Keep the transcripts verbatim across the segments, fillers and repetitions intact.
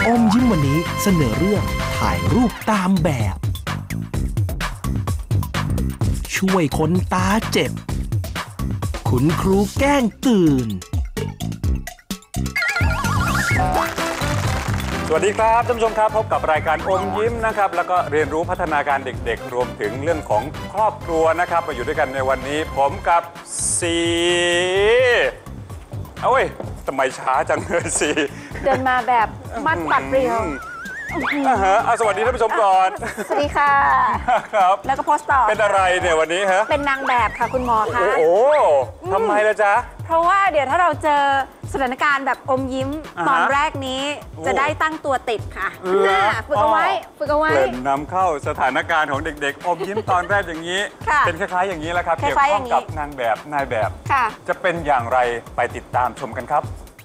อมยิ้มวันนี้เสนอเรื่องถ่ายรูปตามแบบช่วยคนตาเจ็บคุณครูแกล้งตื่นสวัสดีครับท่านผู้ชมครับพบกับรายการอมยิ้มนะครับแล้วก็เรียนรู้พัฒนาการเด็กๆรวมถึงเรื่องของครอบครัวนะครับมาอยู่ด้วยกันในวันนี้ผมกับซีเอาเว้ยทำไมช้าจังเลยซีเดินมาแบบมัดปัดเปรี้ยวอ่าฮะสวัสดีท่านผู้ชมก่อนสวัสดีค่ะครับแล้วก็โพสต์ต่อเป็นอะไรเนี่ยวันนี้ฮะเป็นนางแบบค่ะคุณหมอคะโอ้ทำไมล่ะจ๊ะเพราะว่าเดี๋ยวถ้าเราเจอสถานการณ์แบบอมยิ้มตอนแรกนี้จะได้ตั้งตัวติดค่ะฝึกเอาไว้ฝึกเอาไว้เริ่มนำเข้าสถานการณ์ของเด็กๆอมยิ้มตอนแรกอย่างนี้เป็นคล้ายๆอย่างนี้แหละครับเกี่ยวข้องกับนางแบบนายแบบจะเป็นอย่างไรไปติดตามชมกันครับ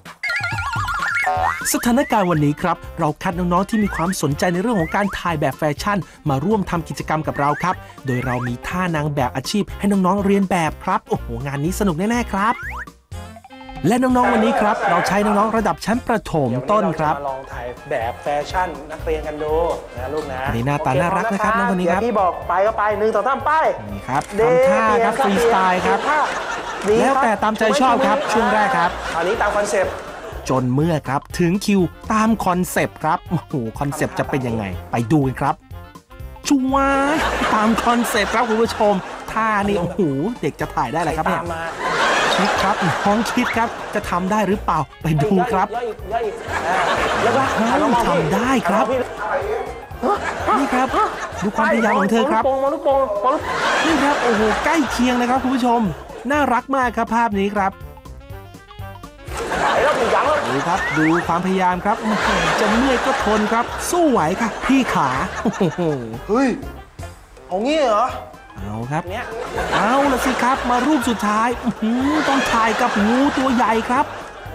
สถานการณ์วันนี้ครับเราคัดน้องๆที่มีความสนใจในเรื่องของการถ่ายแบบแฟชั่นมาร่วมทำกิจกรรมกับเราครับโดยเรามีท่านางแบบอาชีพให้น้องๆเรียนแบบครับโอ้โหงานนี้สนุกแน่ๆครับและน้องๆวันนี้ครับเราใช้น้องๆระดับชั้นประถมต้นครับมาลองถ่ายแบบแฟชั่นนักเรียนกันดูนะลูกนะนี่หน้าตาน่ารักนะครับน้องคนนี้ครับพี่บอกไปก็ไปหนึ่งสองสามไปนี่ครับทำท่าครับฟรีสไตล์ครับแล้วแต่ตามใจชอบครับช่วงแรกครับอันนี้ตามคอนเซปต์จนเมื่อครับถึงคิวตามคอนเซปต์ครับโอ้โหคอนเซปต์จะเป็นยังไงไปดูกันครับชัวร์ตามคอนเซปต์ครับคุณผู้ชมท่านี่โอ้โหเด็กจะถ่ายได้เลยครับเนี่ยคิดครับน้องคิดครับจะทำได้หรือเปล่าไปดูครับแล้วก็ทำได้ครับนี่ครับดูความพยายามของเธอครับนี่ครับโอ้โหใกล้เคียงนะครับคุณผู้ชมน่ารักมากครับภาพนี้ครับดูครับดูความพยายามครับจะเมื่อยก็ทนครับสู้ไหวค่ะพี่ขาโอ้โหเฮ้ยเอางี้เหรอเอาครับเอาละสิครับมารูปสุดท้ายต้องถ่ายกับงูตัวใหญ่ครับ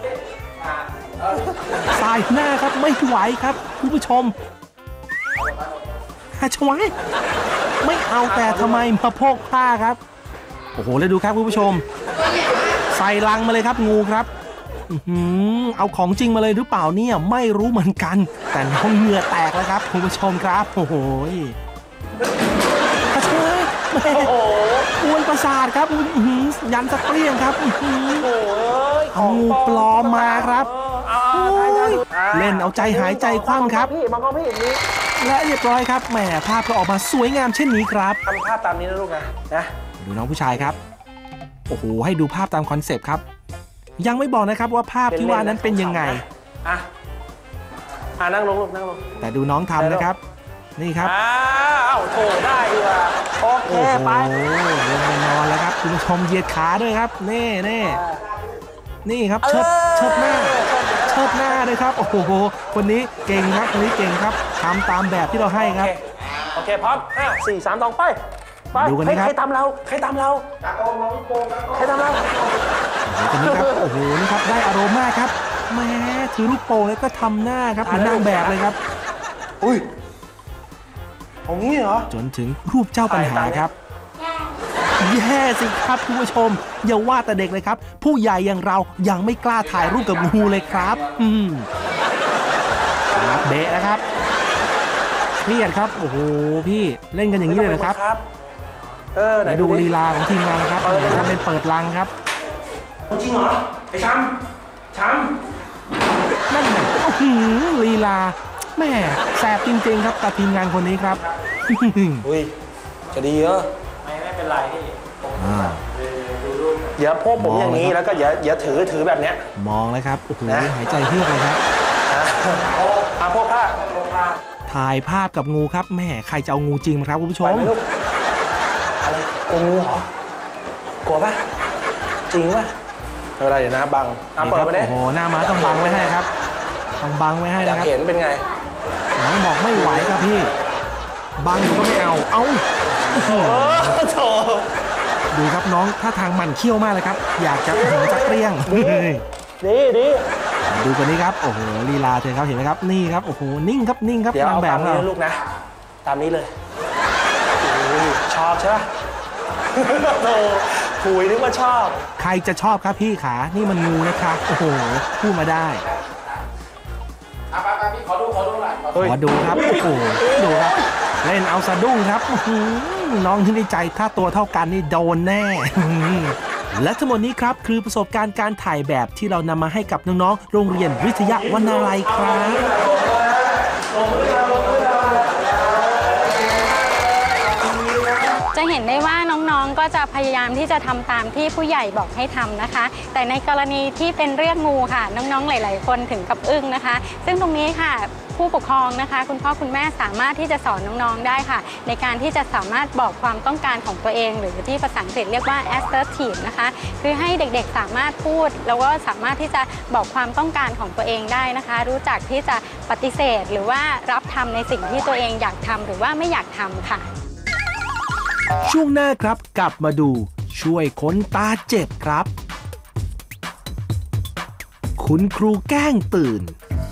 สายหน้าครับไม่ไหวครับคุณผู้ชมฮะชวายไม่เอาแต่ทำไมมาโพกผ้าครับโอ้โหแล้วดูครับคุณผู้ชมใส่ลังมาเลยครับงูครับเอาของจริงมาเลยหรือเปล่าเนี่ยไม่รู้เหมือนกันแต่น้องเหงื่อแตกแล้วครับคุณผู้ชมครับโอ้โหกวนประสาทครับยันสะเปรี้ยงครับเอางูปลอมมาครับเล่นเอาใจหายใจคว่ำครับและเรียบร้อยครับแหมภาพก็ออกมาสวยงามเช่นนี้ครับทำภาพตามนี้นะลูกนะนะดูน้องผู้ชายครับโอ้โหให้ดูภาพตามคอนเซปต์ครับยังไม่บอกนะครับว่าภาพที่ว่านั้นเป็นยังไงอ่ะอ่ะนั่งลงลูกนั่งลงแต่ดูน้องทำนะครับนี่ครับอ้าวโถได้ดีว่าโอเคไปโอ้โหลงไปนอนแล้วครับคุณผู้ชมเหยียดขาด้วยครับนี่นี่นี่ครับเชิดเชิดหน้าเชิดหน้าเลยครับโอ้โหคนนี้เก่งครับคนนี้เก่งครับทำตามแบบที่เราให้ครับโอเคพร้อมห้าสี่สามสองไปดูกันนะครับใครตามเราใครตามเราใครตามเราคนนี้ครับโอ้โหนี่ครับได้อารมณ์มากครับแม่ถือลูกโป่งแล้วก็ทำหน้าครับเหมือนนางแบบเลยครับอุ้ยตรงนี้เหรอจนถึงรูปเจ้าปัญหาครับแย่สิครับคุณผู้ชมอย่าว่าแต่เด็กเลยครับผู้ใหญ่อย่างเรายังไม่กล้าถ่ายรูปกับงูเลยครับอืมเบะนะครับเครียดครับโอ้โหพี่เล่นกันอย่างนี้เลยนะครับเออไหนดูลีลาของทีมงานครับทำเป็นเปิดลังครับจริงเหรอไอ้ช้ำช้ำนั่นไงโอ้โหลีลาแม่แสบจริงๆครับกับทีมงานคนนี้ครับอุ้ยจะดีเหรอไม่ไม่เป็นไรพี่อย่าโพกผมอย่างนี้แล้วก็อย่าอย่าถือถือแบบเนี้ยมองเลยครับโอ้โหหายใจเฮือกเลยครับอาโพกผ้าถ่ายภาพกับงูครับแม่ใครจะเอางูจริงมาครับคุณผู้ชมอะไรกลัวงูเหรอกลัวปะจริงปะไม่เป็นไรเดี๋ยวนะบังเปิดไปได้โอ้โหหน้าม้าต้องบังไว้ให้ครับต้องบังไว้ให้นะครับเห็นเป็นไงน้องบอกไม่ไหวครับพี่บังอยู่ก็ไม่เอาเอาดูครับน้องท่าทางมันเขี้ยวมากเลยครับอยากจะหัวจักเปรี้ยงดีดีดูกันนี้ครับโอ้โหลีลาเธอครับเห็นไหมครับนี่ครับโอ้โหนิ่งครับนิ่งครับนางแบบนี้ลูกนะตามนี้เลยชอบใช่ไหมโธ่คุยนึกว่าชอบใครจะชอบครับพี่ขานี่มันงูนะครับโอ้โหพูดมาได้ขอดูครับโอ้โหดูครับเล่นเอาสะดุ้งครับอื้อหือน้องที่ในใจถ้าตัวเท่ากันนี่โดนแน่ และทั้งหมดนี้ครับคือประสบการณ์การถ่ายแบบที่เรานำมาให้กับน้องๆโรงเรียนวิทยาวรรณาลัยครับจะเห็นได้ว่าน้องๆ ก็จะพยายามที่จะทำตามที่ผู้ใหญ่บอกให้ทำนะคะ แต่ในกรณีที่เป็นเรื่องงูค่ะน้องๆ หลายๆ คนถึงกับอึ้งนะคะ ซึ่งตรงนี้ค่ะผู้ปกครองนะคะคุณพ่อคุณแม่สามารถที่จะสอนน้องๆ ได้ค่ะในการที่จะสามารถบอกความต้องการของตัวเองหรือที่ภาษาอังกฤษเรียกว่า assertive นะคะคือให้เด็กๆ สามารถพูดแล้วก็สามารถที่จะบอกความต้องการของตัวเองได้นะคะ รู้จักที่จะปฏิเสธหรือว่ารับทำในสิ่งที่ตัวเองอยากทำหรือว่าไม่อยากทำค่ะช่วงหน้าครับกลับมาดูช่วยคนตาเจ็บครับคุณครูแกล้งตื่น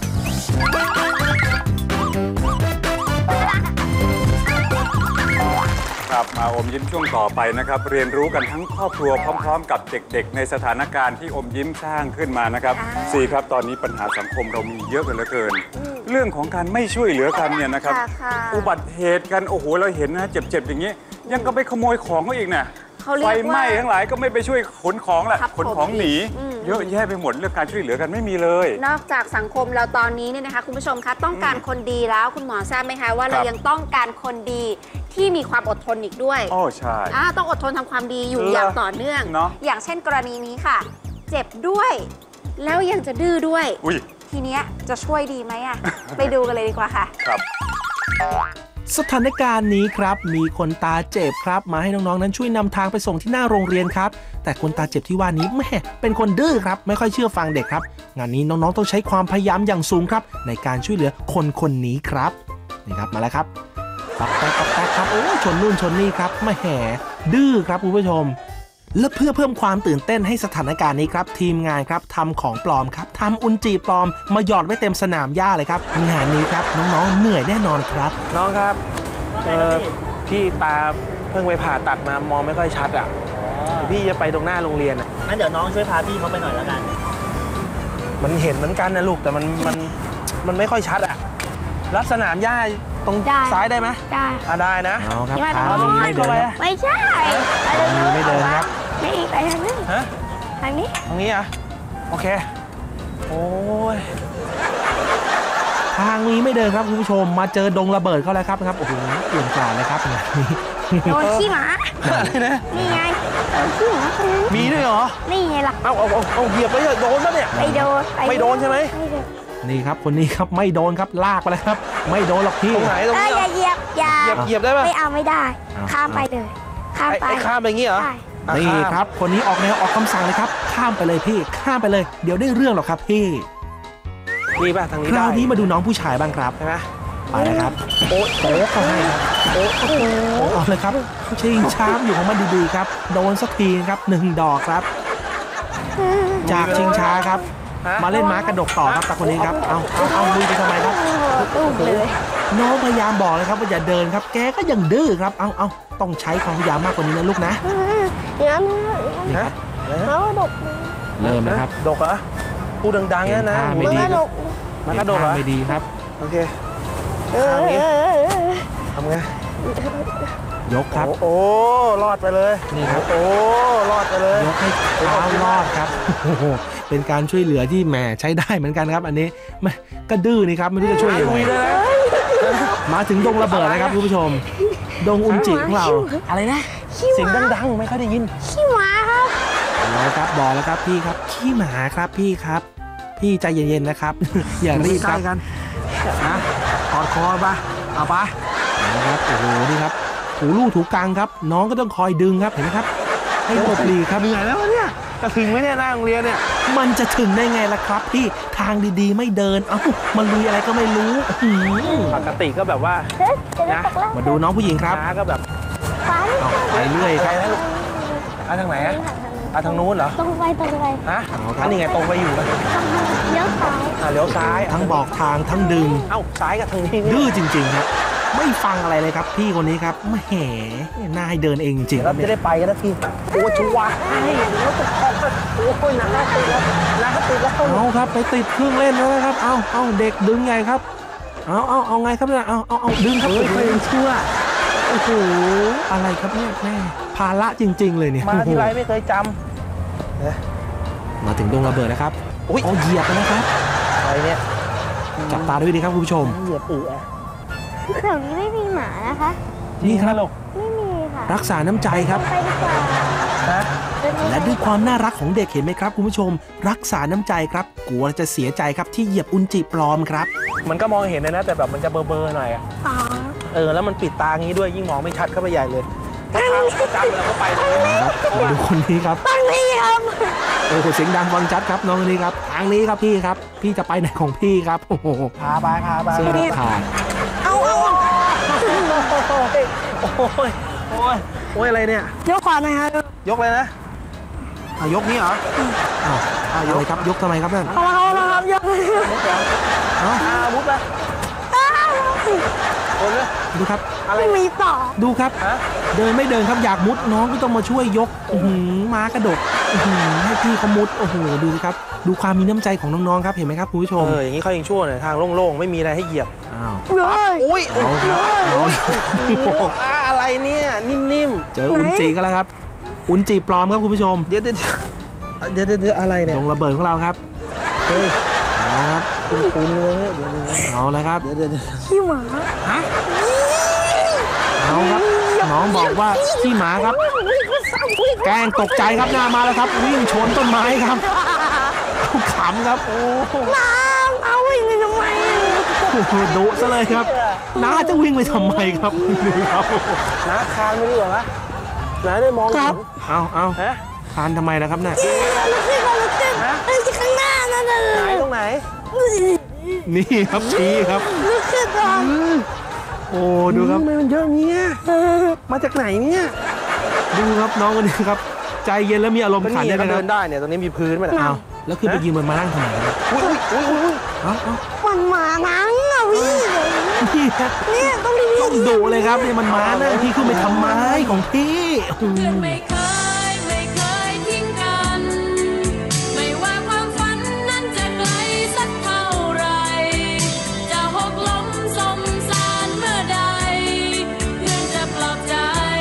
ครับมาอมยิ้มช่วงต่อไปนะครับเรียนรู้กันทั้งครอบครัวพร้อมๆ กับเด็กๆในสถานการณ์ที่อมยิ้มสร้างขึ้นมานะครับสี่ครับตอนนี้ปัญหาสังคมเรามีเยอะกันเหลือเกินเรื่องของการไม่ช่วยเหลือกันเนี่ยนะครับอุบัติเหตุกันโอ้โหเราเห็นนะเจ็บๆอย่างนี้ยังก็ไปขโมยของเขาอีกนะไฟไหม้ทั้งหลายก็ไม่ไปช่วยขนของแหละขนของหนีเยอะแยะไปหมดเรื่องการช่วยเหลือกันไม่มีเลยนอกจากสังคมเราตอนนี้เนี่ยนะคะคุณผู้ชมคะต้องการคนดีแล้วคุณหมอทราบไหมคะว่าเรายังต้องการคนดีที่มีความอดทนอีกด้วยอ๋อใช่ต้องอดทนทำความดีอยู่อย่างต่อเนื่องอย่างเช่นกรณีนี้ค่ะเจ็บด้วยแล้วยังจะดื้อด้วยทีเนี้ยจะช่วยดีไหมอ่ะ ไปดูกันเลยดีกว่าค่ะครับสถานการณ์นี้ครับมีคนตาเจ็บครับมาให้น้องๆนั้นช่วยนำทางไปส่งที่หน้าโรงเรียนครับแต่คนตาเจ็บที่ว่านี้แม่เป็นคนดื้อครับไม่ค่อยเชื่อฟังเด็กครับงานนี้น้องๆต้องใช้ความพยายามอย่างสูงครับในการช่วยเหลือคนคนนี้ครับนี่ครับมาแล้วครับปักแป๊กปักแป๊กครับโอ้ชนนู่นชนนี่ครับแม่แห่ดื้อครับคุณผู้ชมและเพื่อเพิ่มความตื่นเต้นให้สถานการณ์นี้ครับทีมงานครับทำของปลอมครับทำอุจจีปลอมมาหยอดไว้เต็มสนามหญ้าเลยครับงานนี้ครับน้องๆเหนื่อยแน่นอนครับน้องครับเออพี่ตาเพิ่งไปผ่าตัดมามองไม่ค่อยชัดอ่ะพี่จะไปตรงหน้าโรงเรียนอ่ะงั้นเดี๋ยวน้องช่วยพาพี่เขาไปหน่อยแล้วกันมันเห็นเหมือนกันนะลูกแต่มันมันมันไม่ค่อยชัดอ่ะลัดสนามหญ้าตรงซ้ายได้ไหมได้อ่ะได้นะเอาครับทางนี้ไม่เดินไม่ใช่ไม่เดินครับไม่ไปทางนี้ฮะทางนี้ทางนี้อ่ะโอเคโอ้ยทางนี้ไม่เดินครับคุณผู้ชมมาเจอดงระเบิดเข้าแล้วครับครับโอ้โหเปลี่ยนกลาเลยครับงานนี้โดนขี้หมานี่ไงโดนขี้หมามีด้วยเหรอนี่ไงล่ะเอาเอาเอาเหยียบไปเลยโดนปะเนี่ยไม่โดนไม่โดนใช่ไหมนี่ครับคนนี้ครับไม่โดนครับลากไปเลยครับไม่โดนหรอกพี่ตรงไหนตรงนี้อย่าเหยียบอย่าเหยียบได้ปะไม่เอาไม่ได้ข้ามไปเลยข้ามไปข้ามไปงี้เหรอนี่ครับคนนี้ออกแนวออกคำสั่งเลยครับข้ามไปเลยพี่ข้ามไปเลยเดี๋ยวได้เรื่องหรอกครับพี่นี่ป่ะทางนี้คราวนี้มาดูน้องผู้ชายบ้างครับใช่ไหมไปเลยครับโอ๊ะโอ๊ะเขาให้ครับโอ๊ะโอ้โหเอาเลยครับชิงช้าอยู่ของมันดีๆครับโดนสักทีครับหนึ่งดอกครับจากชิงช้าครับมาเล่นม้ากระดกต่อครับแต่คนนี้ครับเอาเอาเอาลุยไปทำไมครับน้องพยายามบอกเลยครับว่าอย่าเดินครับแกก็ยังดื้อครับเอาเอาต้องใช้ความพยายามมากกว่านี้นะลูกนะนี่ครับเขาดกเริ่มนะครับดกเหรอพูดดังๆนะนะไม่ดีมากระดกเหรอไม่ดีครับโอเคทำไงทำไงยกครับโอ้รอดไปเลยนี่ครับโอ้รอดไปเลยยกให้เท้ารอดครับโอ้โหเป็นการช่วยเหลือที่แหมใช้ได้เหมือนกันครับอันนี้ไม่ก็ดื้อนี่ครับไม่รู้จะช่วยยังไงมาถึงดงระเบิดนะครับคุณผู้ชมดงอุนจิของเราอะไรนะเสียงดังๆไม่ค่อยได้ยินขี้หมาครับแล้วครับบอกแล้วครับพี่ครับขี้หมาครับพี่ครับพี่ใจเย็นๆนะครับอย่ารีบครับกันนะกอดคอปะเอาปะนะครับโอ้โหนี่ครับถูลู่ถูกลางครับน้องก็ต้องคอยดึงครับเห็นไหมครับให้หลบหลีกครับเหนื่อยแล้วเนี่ยจะถึงไหมเนี่ยหน้าโรงเรียนเนี่ยมันจะถึงได้ไงล่ะครับพี่ทางดีๆไม่เดินเอ้ามันลุยอะไรก็ไม่รู้ปกติก็แบบว่านะมาดูน้องผู้หญิงครับก็แบบไปเรื่อยครับไปทางไหนอะไปทางนู้นเหรอตรงไปตรงไปฮะอันนี้ไงตรงไปอยู่เลี้ยวซ้ายอ่าเลี้ยวซ้ายทั้งบอกทางทั้งดึงเอ้าซ้ายกับทางนี้ดื้อจริงๆครับไม่ฟังอะไรเลยครับพี่คนนี้ครับแหมน่าให้เดินเองจริงๆคเรารับจะเนี่ยได้ไปกันนะทีโอ้ชัวร์ให้รถตกคลองโอ้ยน้ำติดแล้วน้ำติดแล้วเอาครับไปติดเครื่องเล่นแล้วนะครับเอาเอาเด็กดึงไงครับเอาเอาเอาไงครับเนี่ยเอาเอาเอาดึงครับเฮ้ยโอ้ใครโหยังเชื่อโอ้โหอะไรครับเนี่ยแม่ภาระจริง ๆ เลยเนี่ยมาที่ไรโอ้โหไม่เคยจมาถึงดงระเบิดนะครับโอ้ยเอาเหยียบกันนะครับำอะไรเนี่ยจับตาด้วยดีครับคุณผู้ชมเหยียบอือแถวนี้ไม่มีหมานะคะนี่ครับลูกไม่มีค่ะรักษาน้ำใจครับไปดีกว่านะและด้วยความน่ารักของเด็กเห็นไหมครับคุณผู้ชม รักษาน้ำใจครับกลัวจะเสียใจครับที่เหยียบอุนจิปลอมครับมันก็มองเห็นเลยนะแต่แบบมันจะเบลอๆหน่อยอะอ๋อเออแล้วมันปิดตางี้ด้วยยิ่งมองไม่ชัดเข้าไปใหญ่เลยถ้าทางประจำเราก็ไปเลยครับมาดูคนนี้ครับตั้งนี่ครับโอ้โหเสียงดังฟังชัดครับน้องคนนี้ครับทางนี้ครับพี่ครับพี่จะไปไหนของพี่ครับโอ้โหพาไปพาไปเสื้อรับผ่านเอาเอาโอ้ยโอ้ยโอ้ยอะไรเนี่ยยกขวาหน่อยครับยกเลยนะอ่ะยกนี้เหรออ้าวอ้าวยกครับยกทำไมครับนั่นเอามาเอามาครับยกเอ้าอ่ามุดไปโอนเลยดูครับอะไรไม่มีต่อดูครับฮะเดินไม่เดินครับอยากมุดน้องก็ต้องมาช่วยยกอื้อหือม้ากระดกอื้อหือให้พี่เขามุดโอ้โหดูสิครับดูความมีน้ำใจของน้องๆครับเห็นไหมครับคุณผู้ชมเอออย่างนี้เขายังชั่วหน่อยทางโล่งๆไม่มีอะไรให้เหยียบอ้าวเฮ้ยอุ้ยเอาครับเอาโอ้โหอ่าอะไรเนี่ยนิ่มเจออุนจิกันแล้วครับ อุนจิปลอมครับคุณผู้ชมๆเดี๋ยวเดี๋ยวเดี๋ยวเดี๋ยวเดี๋ยวอะไรเนี่ยลงระเบิดของเราครับเฮ้ยเอาครับคุณคุณเลยเดี๋ยวเดี๋ยวเอาแล้วครับเดี๋ยวเดี๋ยวเดี๋ยวขี้หมาเอาครับน้องบอกว่าขี้หมาครับ แกล้งตกใจครับหน้ามาแล้วครับ วิ่งชนต้นไม้ครับเอาขำครับโอ้โหน้ำเอาวิ่งไปทำไมดุซะเลยครับน้าจะวิ่งไปทำไมครับดูครับน้าคานไม่ดีกว่าไหมน้าได้มองเห็นเอาเอาฮะทานทำไมล่ะครับเนี่ยลุกขึ้นมาลุกขึ้นไอ้ที่ข้างหน้านั่นน่ะไหนตรงไหนนี่ครับชี้ครับลุกขึ้นก่อนโอ้ดูครับทำไมมันเยอะเงี้ยมาจากไหนเนี่ยดูครับน้องคนนี้ครับใจเย็นแล้วมีอารมณ์ก็ขันนี่ด้วยก็นะคเดิรับนได้เนี่ยตรงนี้มีพื้นไหมล่ะเอาแล้วคือไปยืนบนมานั่งทำไมครับอุ้ยอุ้ยอุ้ยอุ้ยเอาเอามันหมานังอ่ะพี่นี่ครับเนี่ยต้องรีบต้องดุเลยครับนี่มันม้านะพี่ขึ้นไปทำไมของพี่อืมไม่เคยไม่เคยทิ้งกัน ไม่ว่าความฝันนั้นจะไกลสักเท่าไร จะหกล้มสมสารเมื่อใด เพื่อนจะปลอบใจ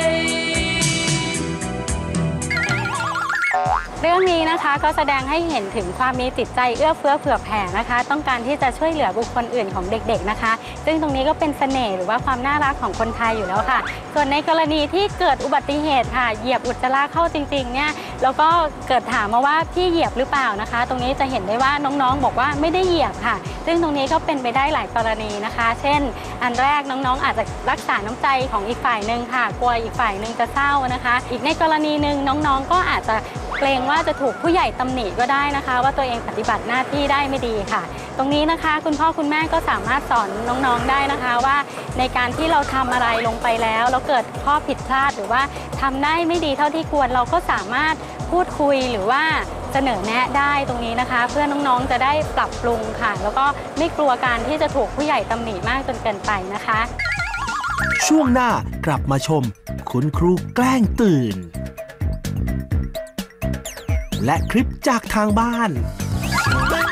เรื่องนี้นะคะก็แสดงให้เห็นถึงความมีจิตใจเอื้อเฟื้อเผื่อแผ่นะคะ ต้องการที่จะช่วยเหลือบุคคลอื่นของเด็กๆนะคะ ซึ่งตรงนี้ก็เป็นเสน่ห์หรือว่าความน่ารักของคนไทยอยู่แล้วค่ะ ส่วนในกรณีที่เกิดอุบัติเหตุค่ะเหยียบอุจจาระเข้าจริงๆเนี่ยแล้วก็เกิดถามมาว่าพี่เหยียบหรือเปล่านะคะ ตรงนี้จะเห็นได้ว่าน้องๆบอกว่าไม่ได้เหยียบค่ะ ซึ่งตรงนี้ก็เป็นไปได้หลายกรณีนะคะ เช่น อันแรกน้องๆอาจจะรักษาน้ำใจของอีกฝ่ายหนึ่งค่ะกลัวอีกฝ่ายหนึ่งจะเศร้านะคะ อีกในกรณีหนึ่งน้องๆก็อาจจะเกรงว่าจะถูกผู้ใหญ่ตำหนิก็ได้นะคะ ว่าตัวเองปฏิบัติหน้าที่ได้ไม่ดีค่ะ ตรงนี้นะคะคุณพ่อคุณแม่ก็สามารถสอนน้องๆได้นะคะว่าในการที่เราทำอะไรลงไปแล้วแล้วเกิดข้อผิดพลาดหรือว่าทำได้ไม่ดีเท่าที่ควรเราก็สามารถพูดคุยหรือว่าเสนอแนะได้ตรงนี้นะคะ เพื่อน้องๆจะได้ปรับปรุงค่ะ แล้วก็ไม่กลัวการที่จะถูกผู้ใหญ่ตำหนิมากจนเกินไปนะคะช่วงหน้ากลับมาชม คุณครูแกล้งตื่น และคลิปจากทางบ้านไม่